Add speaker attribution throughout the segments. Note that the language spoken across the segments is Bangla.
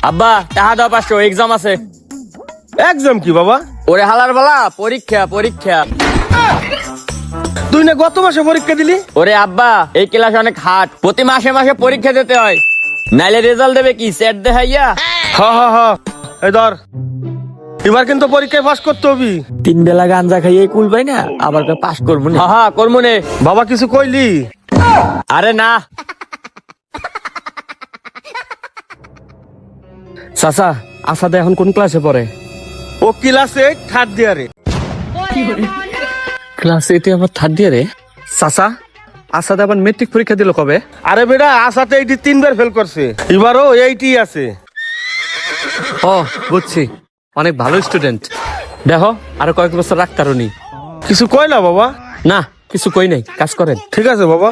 Speaker 1: আব্বা টাকা দাও 500, এক্সাম আছে।
Speaker 2: এক্সাম কি বাবা?
Speaker 1: ওরে হালার বালা, পরীক্ষা পরীক্ষা।
Speaker 2: তুই না গত মাসে পরীক্ষা দিলি?
Speaker 1: ওরে আব্বা, এই ক্লাস অনেক হার্ড, প্রতি মাসে মাসে পরীক্ষা দিতে হয়, নাইলে রেজাল্ট দেবে কি সেট দেখাইয়া।
Speaker 2: হ এই ধর, এবার কিন্তু পরীক্ষায় পাস করতে হবি।
Speaker 1: 3 বেলা গাঞ্জা খাইয়ে কুল পাই না, আবার পাস করবো না। হ্যাঁ করবো নে।
Speaker 2: বাবা কিছু কইলি?
Speaker 1: আরে না
Speaker 3: চাচা, আসাদা এখন কোন ক্লাসে পড়ে?
Speaker 2: ও ক্লাসে থার্ড ইয়ারে।
Speaker 3: ক্লাস 8 আবার থার্ড ইয়ারে? চাচা, আসাদা আবার মেট্রিক পরীক্ষা দিল কবে?
Speaker 2: আরে বেটা, আসাতে এইটি 3 বার ফেল করছে, এবারও এইটি আছে।
Speaker 3: ও বুঝছি, অনেক ভালো স্টুডেন্ট। দেখো আরো কয়েক বছর রাখতারনি।
Speaker 2: কিছু কইলা বাবা?
Speaker 3: না কিছু কই নাই, কাজ করেন।
Speaker 2: ঠিক আছে বাবা।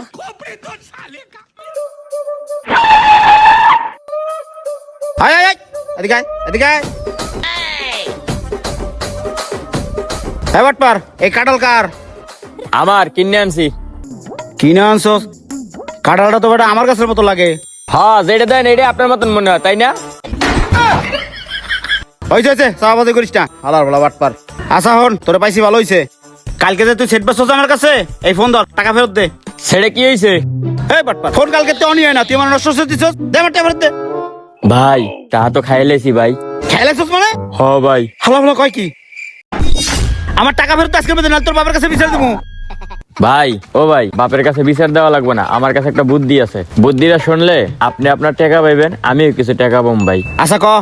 Speaker 4: আয় আয় আয়, এদিকে আয়, এদিকে আয়। এই বাটপার, এই কাঁঠাল কার?
Speaker 1: আমার কিনে আনছি।
Speaker 4: কিনে আনছস? কাঁঠালটা তো বেটা আমার কাছের মতো লাগে।
Speaker 1: হ্যাঁ যেটা দেন এটা আপনার মতন মনে হয়, তাই না?
Speaker 4: হয়েছে চাপাবাজি করিস না, হালার বলা বাটপার। আচ্ছা হন, তোরে পাইছি ভালো হয়েছে। কালকে যে তুই সেট বেসছ আমার কাছে, এই ফোন ধর, টাকা ফেরত দে।
Speaker 1: ছেড়ে কি হয়েছে?
Speaker 4: এই বাটপার, ফোন কালকে তো অনি হয় না, তুই আমার নষ্ট করে দিছস। দে আমার টাকা ফেরত দে।
Speaker 1: ভাই টাকা তো খাইলেছি ভাই।
Speaker 4: খেলেছস মানে?
Speaker 1: হ ভাই।
Speaker 4: হালা হালা কয় কি? আমার টাকা ফেরত আজকে বেদে না, তোর বাবার কাছে বিচার দেবো।
Speaker 1: ভাই ও ভাই, বাপের কাছে বিচার দেওয়া লাগবে না, আমার কাছে একটা বুদ্ধি আছে, বুদ্ধিটা শুনলে আপনি আপনার টাকা পাইবেন, আমিও কিছু টাকা পাবো ভাই।
Speaker 4: আচ্ছা ক।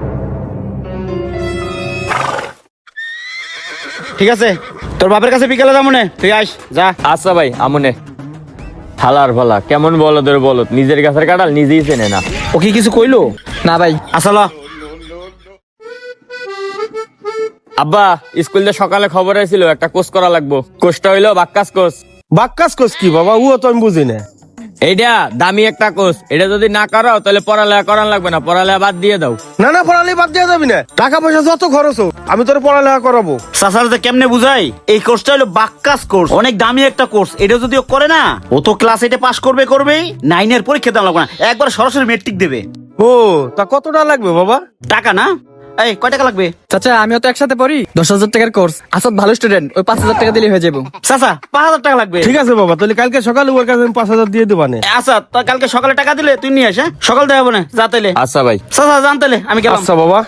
Speaker 4: ঠিক আছে, তোর বাপের কাছে বিকেলে যাবো নে, তুই আইস যা।
Speaker 1: আচ্ছা ভাই আমনে। হালার ভালা কেমন বলদের বলত, নিজের গাছের কাঁঠাল নিজেই চেনে না।
Speaker 4: ও কি কিছু কইলো?
Speaker 3: না ভাই।
Speaker 4: আচ্ছা ল।
Speaker 1: আব্বা স্কুলে সকালে খবর হয়েছিল একটা কোর্স করা লাগবো, কোর্সটা হইলো বাক্কাস কোর্স।
Speaker 2: বাক্কাস কোস কি বাবা? ও তো আমি বুঝি না।
Speaker 1: এইটা দামি একটা কোর্স, এটা যদি না করো তাহলে পড়ালেখা করান লাগবে না, পড়ালেখা বাদ দিয়ে দাও।
Speaker 2: না পড়ালে বাদ দেওয়া যাবি না, টাকা পয়সা যত খরচ হোক আমি তোর পড়ালেখা করাবো।
Speaker 4: সাসারতে কেমনে বুঝাই? এই কোর্সটা হলো বাক্কাস কোর্স, অনেক দামি একটা কোর্স। এটা যদি ও করে না, ও তো ক্লাস 8 পাস করবেই, 9 এর পরীক্ষা দেওয়া লাগবে না, একবার সরাসরি মেট্রিক দেবে।
Speaker 2: ও তা কতটা লাগবে বাবা?
Speaker 4: টাকা না? এই কয় টাকা লাগবে?
Speaker 3: চাচা আমিও তো একসাথে পড়ি, 10,000 টাকার কোর্স। আসাদ ভালো স্টুডেন্ট, ওই 5,000 টাকা দিলে হয়ে যাবো।
Speaker 4: চাচা 5,000 টাকা লাগবে।
Speaker 2: ঠিক আছে বাবা, তাহলে কালকে সকালে ওর কাছে আমি 5,000 দিয়ে দেবা নে।
Speaker 4: আচ্ছা তা কালকে সকালে টাকা দিলে তুই নিয়ে আস। হ্যাঁ সকাল দেওয়া হবে না, যা তাইলে।
Speaker 1: আচ্ছা ভাই।
Speaker 4: চাচা জান তাইলে, আমি গেলাম।
Speaker 2: আচ্ছা বাবা।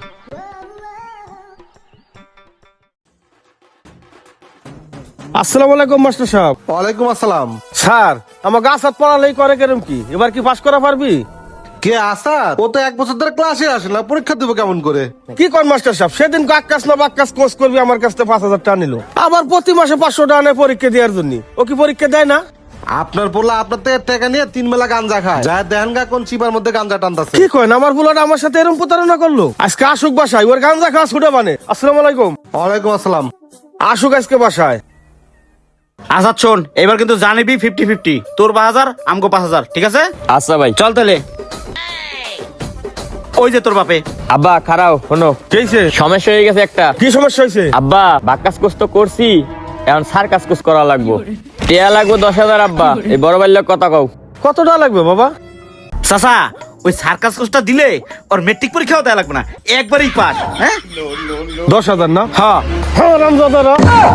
Speaker 2: আসসালামু আলাইকুম মাস্টার সাহেব।
Speaker 5: ওয়ালাইকুম আসসালাম।
Speaker 2: স্যার আমার গাছ হাত পড়ালেই করে কেরম কি, এবার কি পাস করা পারবি?
Speaker 5: কে আসাদ? ও তো 1 বছর ধরে ক্লাসে আসে না, পরীক্ষা দেবো কেমন করে?
Speaker 2: কি কর মাস্টার সাহেব, সেদিন আকাশ না বাক্কাস কোর্স করবি আমার কাছ থেকে 5,000 টাকা নিল, আবার প্রতি মাসে 500 টাকা নেয় পরীক্ষা দেওয়ার জন্য। ও কি পরীক্ষা দেয় না?
Speaker 5: আপনার পোলা আপনার থেকে টাকা নিয়ে 3 বেলা গাঞ্জা খায়, যা দেহানগা কোন চিপার মধ্যে গাঞ্জা টানতাছে।
Speaker 2: কি কয় আমার বুলাটা আমার সাথে এরকম প্রতারণা করলো? আজকে আসুক বাসায়, ওর গাঞ্জা খাওয়া ছুটে মানে। আসসালামু আলাইকুম।
Speaker 5: ওয়ালাইকুম আসসালাম।
Speaker 2: আসুক আজকে বাসায়।
Speaker 4: আচ্ছা শোন, এবার কিন্তু জানিবি 50-50, তোর 5,000 আমগো 5,000, ঠিক আছে?
Speaker 1: আচ্ছা ভাই।
Speaker 4: চল তাহলে। ওই যে তোর বাপে।
Speaker 1: আব্বা খারাও শোনো,
Speaker 2: কেছে
Speaker 1: সমস্যা হয়ে গেছে একটা।
Speaker 2: কি সমস্যা হয়েছে?
Speaker 1: আব্বা বাক্কাস কোর্স তো করছি, এখন সার্কাস কোর্স করা লাগবো, টিয়া লাগবো 10,000। আব্বা এই বড় বাল্যক কথা কও।
Speaker 2: কত টাকা লাগবে বাবা?
Speaker 4: চাচা ওই সার্কাস কোর্সটা দিলে ওর মেট্রিক পরীক্ষাও দেওয়া লাগবে না, একবারই পাস। হ্যাঁ
Speaker 2: 10,000 না?
Speaker 4: হ্যাঁ।
Speaker 2: হ্যাঁ রামজাদারা,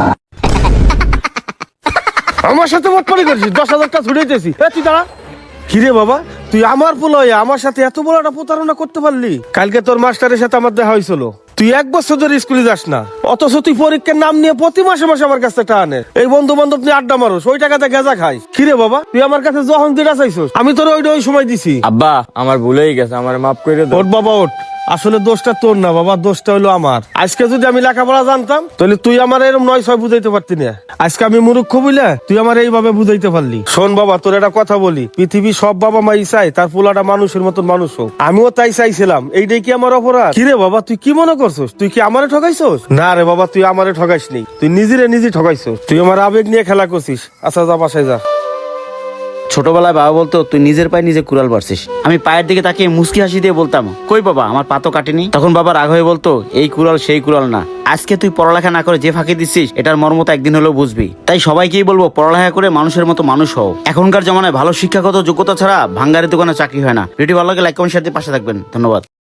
Speaker 2: আমার সাথে বটপারি করছিস, 10,000 টাকা ছুটাইতেছি। তুই দাঁড়া। কিরে বাবা, তুই আমার পোলা হয়ে আমার সাথে এত বড় একটা প্রতারণা করতে পারলি? কালকে তোর মাস্টারের সাথে আমার দেখা হয়েছিল, তুই 1 বছর ধরে স্কুলে যাস না, অথচ তুই পরীক্ষার নাম নিয়ে প্রতি মাসে মাসে আমার কাছে টাকা আনে, এই বন্ধু বান্ধব নিয়ে আড্ডা মারোস, ওই টাকাতে গেজা খাই। কিরে বাবা, তুই আমার কাছে যখন যেটা চাইছিস আমি তোর ওই সময় দিছি।
Speaker 1: আব্বা আমার ভুল হয়ে গেছে, আমার মাফ করে দাও।
Speaker 2: ওঠ বাবা ওঠ, আসলে দোষটা তোর না বাবা, দোষটা হলো আমার। আজকে যদি আমি লেখাপড়া জানতাম তাহলে তুই আমার এরকম 9-6 বুঝাইতে পারতি না। আজকে আমি মূর্খ বুঝলে তুই আমার এইভাবে বুঝাইতে পারলি। শোন বাবা, তোর একটা কথা বলি, পৃথিবীর সব বাবা মাই চাই তার পোলাটা মানুষের মতন মানুষ হোক, আমিও তাই চাইছিলাম। এইটাই কি আমার অপরাধ? কিরে বাবা, তুই কি মনে করছিস? তুই কি আমারে ঠকাইছস? না রে বাবা, তুই আমারে ঠকাইস নি, তুই নিজে ঠকাইছস। তুই আমার আবেগ নিয়ে খেলা করছিস। আচ্ছা যা বাসায় যা।
Speaker 4: ছোটবেলায় বাবা বলতো তুই নিজের পায়ে নিজে কুড়াল পারছিস, আমি পায়ের দিকে তাকিয়ে মুস্কি হাসি দিয়ে বলতাম কই বাবা আমার পা তো কাটেনি। তখন বাবা রাগ হয়ে বলতো এই কুড়াল সেই কুড়াল না। আজকে তুই পড়ালেখা না করে যে ফাঁকি দিচ্ছিস এটার মর্মতা একদিন হলেও বুঝবি। তাই সবাইকেই বলবো পড়ালেখা করে মানুষের মতো মানুষ হও। এখনকার জমানায় ভালো শিক্ষাগত যোগ্যতা ছাড়া ভাঙ্গারি দোকানে চাকরি হয় না। ভিডিও ভালো লাগে লাইক কমেন্ট শেয়ার দিয়ে পাশে থাকবেন। ধন্যবাদ।